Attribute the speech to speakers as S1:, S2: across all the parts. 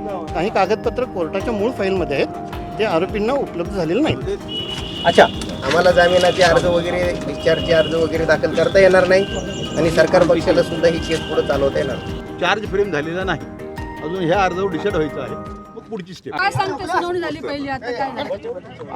S1: काही कागदपत्र कोर्टाच्या मूळ फाईलमध्ये आहेत, ते आरोपींना उपलब्ध झालेले नाहीत.
S2: अच्छा, आम्हाला जामिनाचे अर्ज वगैरे, डिस्चार्जचे अर्ज वगैरे दाखल करता येणार नाही आणि सरकार पक्षाला सुद्धा ही केस पुढे चालवता येणार.
S3: चार्ज फ्रेम झालेला नाही अजून, ह्या अर्जावर डिसाईड व्हायचं आहे. मग पुढची स्टेप
S4: काय सांगते, सुनावणी झाली पहिली, आता काय नाही.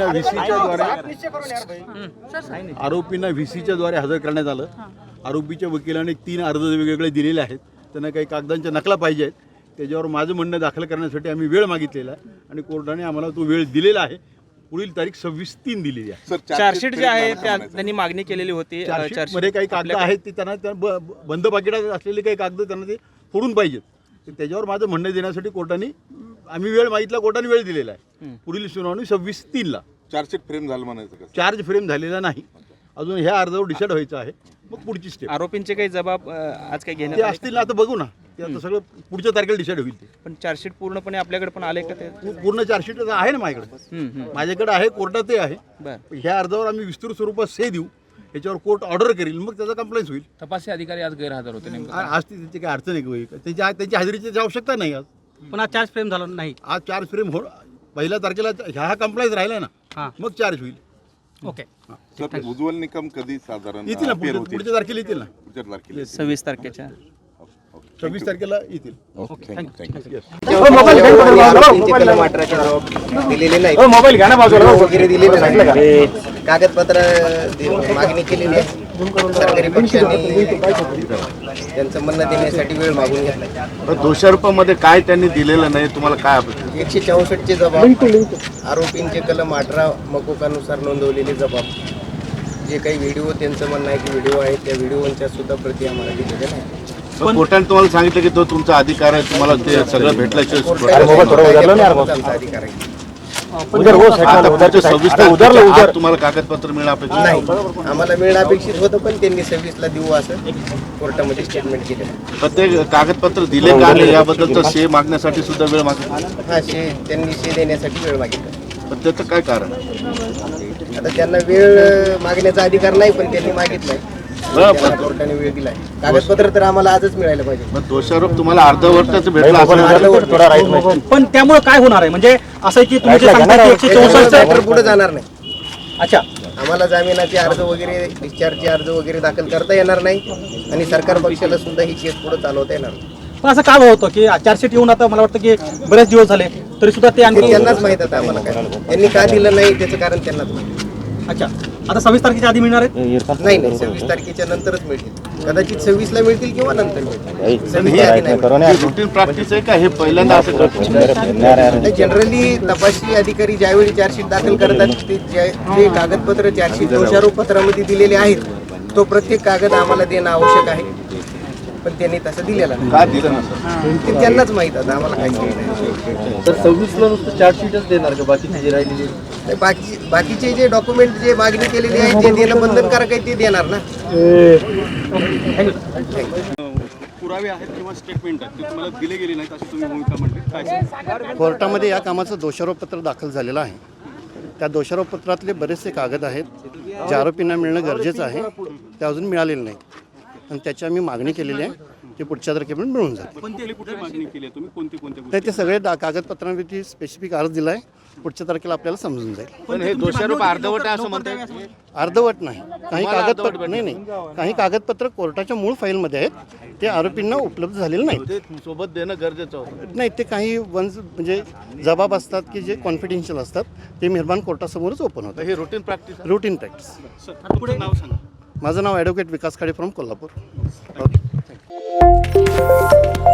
S3: आरोपींना व्हीसीच्या द्वारे हजर करण्यात आलं. आरोपीच्या वकिलाने 3 अर्ज वेगवेगळे दिलेले आहेत. त्यांना काही कागदांच्या नकला पाहिजे आहेत. त्याच्यावर माझं म्हणणं दाखल करण्यासाठी आम्ही वेळ मागितलेला आहे आणि कोर्टाने आम्हाला तो वेळ दिलेला आहे. पुढील तारीख 26/3 दिलेली आहे.
S5: चार्जशीट जे आहे त्यांनी मागणी केलेली होती.
S3: चार्जशीटमध्ये काही कागद आहेत ते त्यांना बंद पाकिटात असलेले काही कागद त्यांना ते फोडून पाहिजेत. त्याच्यावर माझं म्हणणं देण्यासाठी कोर्टाने आम्ही वेळ मागितला, कोर्टाने वेळ दिलेला आहे. पुढील सुनावणी 26/3
S6: चार्जशीट फ्रेम झालं म्हणायचं का?
S3: चार्ज फ्रेम झालेला नाही अजून, ह्या अर्जावर डिसाईड व्हायचं आहे. मग पुढची स्टेप.
S5: आरोपींचे काही जबाब आज काही घेण्यात
S3: ते
S5: आले?
S3: असतील ना, आता बघू ना. ते आता सगळं पुढच्या तारखेला डिसाईड होईल. ते
S5: पण चार्जशीट पूर्णपणे आपल्याकडे पण आले का ते?
S3: पूर्ण चार्जशीट आहे ना माझ्याकडे. माझ्याकडे आहे, कोर्टात ते आहे.
S5: बरं,
S3: ह्या अर्जावर आम्ही विस्तृत स्वरूपात से देऊ, याच्यावर कोर्ट ऑर्डर करेल, मग त्याचा कंप्लेंट होईल.
S7: तपासी अधिकारी आज गैरहजर होते नेमकं.
S3: आज त्याची काही अडचण आहे का? त्यांची हजेरीची आवश्यकता नाही आज.
S2: पण आज चार्ज फ्रेम झाला नाही.
S3: आज चार्ज फ्रेम हो, 1 तारखेला ह्या कंप्लेंट राहिला ना, मग चार्ज होईल.
S2: ओके.
S6: सर, उज्ज्वल निकम कधी साधारण
S3: येतील ना,
S6: appear होतील?
S3: पुढच्या तारखेला येतील ना.
S6: पुढच्या तारखेला
S5: 26 तारखेच्या.
S3: 26 तारखेला येतील.
S2: दिलेले नाही, वगैरे दिलेले नाही, कागदपत्र मागणी केलेली आहे. सरकारी पक्षाने त्यांचं म्हणणं देण्यासाठी वेळ मागून घेतला.
S6: दोषारोपामध्ये काय त्यांनी दिलेलं नाही, तुम्हाला काय अपेक्षा?
S2: 164 जबाब, आरोपींचे कलम 18 मकोकानुसार नोंदवलेले जबाब, जे काही व्हिडिओ त्यांचं म्हणणं आहे की व्हिडिओ आहेत, त्या व्हिडिओच्या सुद्धा प्रती आम्हाला दिलेल्या नाही.
S6: कोर्टाने तुम्हाला सांगितलं की तो तुमचा अधिकार आहे, तुम्हाला ते सगळं भेटल्याशिवाय
S2: अधिकार आहे.
S6: तुम्हाला कागदपत्र मिळणं अपेक्षित
S2: नाही, आम्हाला मिळणं अपेक्षित होतं, पण त्यांनी 26ला देऊ असं कोर्टामध्ये स्टेटमेंट केलं.
S6: प्रत्येक कागदपत्र दिले का याबद्दलचं शे मागण्यासाठी सुद्धा वेळ मागितला.
S2: हा, त्यांनी शे देण्यासाठी वेळ मागितला.
S6: पण त्याचं काय कारण?
S2: आता त्यांना वेळ मागण्याचा अधिकार नाही, पण त्यांनी मागितलाय. कोर्टाने वेळ दिलाय. कागदपत्र तर आम्हाला आजच मिळायला पाहिजे.
S6: मग दोषारोप तुम्हाला अर्धवटाचं भेटला.
S2: पण त्यामुळे काय होणार आहे, म्हणजे असं आहे की तुम्ही जे सांगता की 164 पुढे जाणार नाही. अच्छा, आम्हाला जामिनाचे अर्ज वगैरे, डिस्चार्जचे अर्ज वगैरे दाखल करता येणार नाही आणि सरकार पक्षाला सुद्धा ही केस पुढे चालवता येणार नाही.
S8: पण असं काय होतं की चार्जशीट येऊन आता मला वाटतं की बरेच दिवस झाले तरी सुद्धा ते आणखी
S2: त्यांनाच माहित आहे आम्हाला काय त्यांनी का दिलं नाही त्याचं कारण त्यांनाच माहिती.
S8: अच्छा, आता 26 तारखेच्या आधी मिळणार आहेत?
S2: नाही, 26 तारखेच्या नंतरच मिळतील. कदाचित 26ला मिळतील किंवा नंतर मिळतील. 26च्या आधी नाही.
S6: रुटीन प्रॅक्टिस आहे का हे पहिल्यांदा असं करतो?
S2: जनरली तपासणी अधिकारी ज्यावेळी चार्जशीट दाखल करतात ते जे कागदपत्र चार्जशीट दोषारोप पत्रामध्ये दिलेले आहेत, तो प्रत्येक कागद आम्हाला देणं आवश्यक आहे, पण त्यांनी तसं दिलेला नाही.
S6: का दिलं नसेल?
S2: ते त्यांनाच माहित आहे, आम्हाला काही नाही.
S8: तर 26ला नुसतं चार्जशीटच देणार का? बाकी जी राहिलेली
S2: बाकीचे जे डॉक्युमेंट जे मागणी केलेली आहे जे देणं बंधनकारक आहे ते देणार ना.
S3: पुरावे आहेत किंवा स्टेटमेंट आहेत ते तुम्हाला दिले गेले नाहीत अशी तुम्ही भूमिका म्हटली, काय?
S1: कोर्टामध्ये या कामाचं दोषारोपपत्र दाखल झालेलं आहे. त्या दोषारोपपत्रातले बरेचसे कागद आहेत जे आरोपींना मिळणं गरजेचं आहे, ते अजून मिळालेलं नाही आणि त्याची आम्ही मागणी केलेली आहे. ते पुढच्या तारखेपर्यंत मिळून जाते.
S3: पण ते कुठे मागणी केली आहे तुम्ही? कोणत्या
S1: नाही, ते सगळे कागदपत्रांवरती स्पेसिफिक अर्ज दिला आहे. पुढच्या तारखेला आपल्याला समजून जाईल.
S3: पण हे दोषारोप अर्धवट आहे असं म्हणतात?
S1: अर्धवट नाही, काही कागदपत्र नाही, काही कागदपत्र कोर्टाच्या मूळ फाईलमध्ये आहेत, ते आरोपींना उपलब्ध झालेले नाहीत.
S3: ते सोबत देणं गरजेचं होतं.
S1: नाही, ते काही म्हणजे जबाब असतात की जे कॉन्फिडेन्शियल असतात, ते मेहरबान कोर्टासमोरच ओपन होतं.
S3: हे रुटीन प्रॅक्टिस आहे.
S1: Routine practice.
S3: तुमचं नाव सांगा.
S1: माझं नाव advocate Vikas Khade from Kolhapur. Okay.